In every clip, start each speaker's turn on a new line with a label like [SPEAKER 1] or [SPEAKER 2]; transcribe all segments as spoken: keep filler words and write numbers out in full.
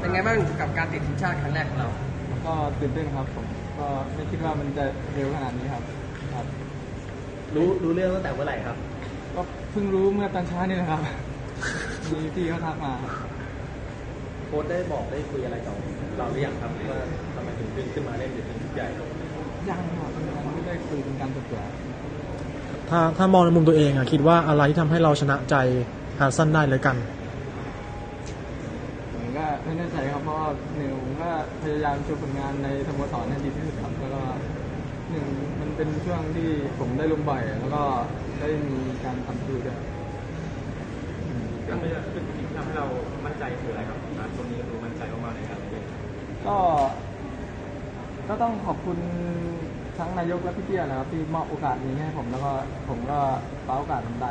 [SPEAKER 1] เป็นไงบ้างกับการติดทีมชาติครั้งแรกของเรา
[SPEAKER 2] ก็ตื่นเต้นครับผมก็ไม่คิดว่ามันจะเร็วขนาดนี้ครับครับ
[SPEAKER 3] รู้รู้เรื่องตั้งแต่เมื่อไหร่ครับ
[SPEAKER 2] ก็เพิ่งรู้เมื่อตอนเช้านี่นะครับมีพี่เขาทักมา
[SPEAKER 3] โค้ชได้บอกได้คุยอะไรกับเราหรือยังครับว่าทำไมถึงขึ้นขึ้นมาเล่นในทีมชุดใหญ่
[SPEAKER 2] ยังครับยังไม่ได้คุยเป็นการส่วนตัว
[SPEAKER 4] ถ้าถ้ามองในมุมตัวเองอะคิดว่าอะไรที่ทำให้เราชนะใจฮาซันได้เลยกัน
[SPEAKER 2] ผมก็ไม่แน่ใจครับเพราะว่าหนึ่งผมก็พยายามโชว์ผลงานในสโมสรให้ดีที่สุดครับแล้วก็หนึ่งมันเป็นช่วงที่ผมได้ลงบ่อยแล้วก็ได้มีการทำประตูด้วย
[SPEAKER 3] ทำให้ทำให้เรามั่นใจคืออะไรครับตรงนี้ดูมั่นใจมากๆในการเล่น
[SPEAKER 2] ก็ก็ต้องขอบคุณทั้งนายกและพี่เตี้ยนะครับที่มอบโอกาสนี้ให้ผมแล้วก็ผมก็คว้าโอกาสนั้นได้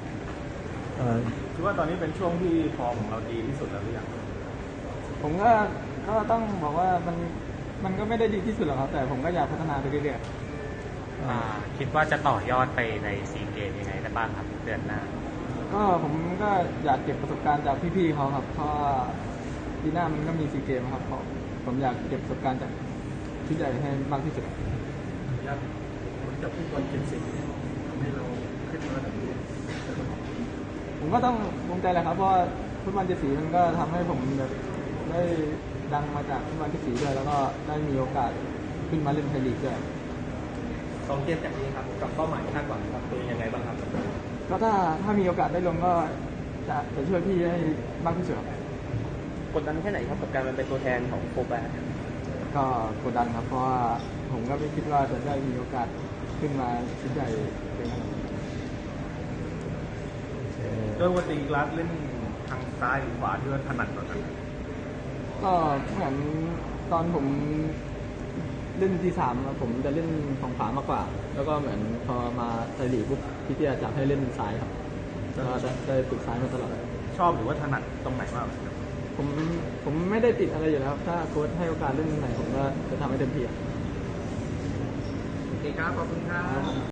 [SPEAKER 3] คือว่าตอนนี้เป็นช่วงที่ฟอร์มของเราดีที่สุดแล้วหรือยัง
[SPEAKER 2] ผมก็ก็ต้องบอกว่ามันมันก็ไม่ได้ดีที่สุดหรอกครับแต่ผมก็อยากพัฒนาไปเรื่อย
[SPEAKER 5] ๆคิดว่าจะต่อยอดไปในซีเกมยังไงได้บ้างครับเดือนหน้า
[SPEAKER 2] ก็ผมก็อยากเก็บประสบการณ์จากพี่ๆเขาครับเพราะปีหน้ามันก็มีซีเกมครับผมผมอยากเก็บประสบการณ์จากชุดใหญ่ให้มากที่สุด
[SPEAKER 3] อยากจะพูดบอลเจ็ดสิบให้เราขึ้นมาแบบนี้
[SPEAKER 2] ผมก็ต้องภูมิใจแหละครับเพราะฟุตบอลเจ็ดสีมันก็ทำให้ผมแบบได้ดังมาจากฟุตบอลเจ็ดสีด้วยแล้วก็ได้มีโอกาสขึ้นมาเล่นไทยลีกด้วย
[SPEAKER 3] สองเกมจากนี้ครับกับเป้าหมายคาดหวังครับตัวยังไงบ้างครับ
[SPEAKER 2] ก็ถ้าถ้ามีโอกาสได้ลงก็จะจะช่วยพี่ให้มากที่สุด
[SPEAKER 3] กดดันแค่ไหนครับกับการเป็นตัวแทนของโฟแบร์
[SPEAKER 2] ก็กดดันครับเพราะว่าผมก็ไม่คิดว่าจะได้มีโอกาสขึ้นมาชุดใหญ่เป็นขนาดนี้
[SPEAKER 3] ด้วยวันตีกราฟเล่นทางซ้ายหรือขวาที่ว่าถนัดกว่ากัน
[SPEAKER 2] ก็เหมือนตอนผมเล่นที่สามผมจะเล่นของขวามากกว่าแล้วก็เหมือนพอมาไทยลีกปุ๊บพี่เตี้ยจับให้เล่นซ้ายครับก็ได้ฝึกซ้ายมาตลอด
[SPEAKER 3] ชอบหรือว่าถนัดตรงไหนมาก
[SPEAKER 2] ผมผมไม่ได้ติดอะไรอยู่แล้วถ้าโค้ชให้โอกาสเล่นไหนผมก็จะทำให้เต็มที่
[SPEAKER 1] โอเคครับขอบคุณครับ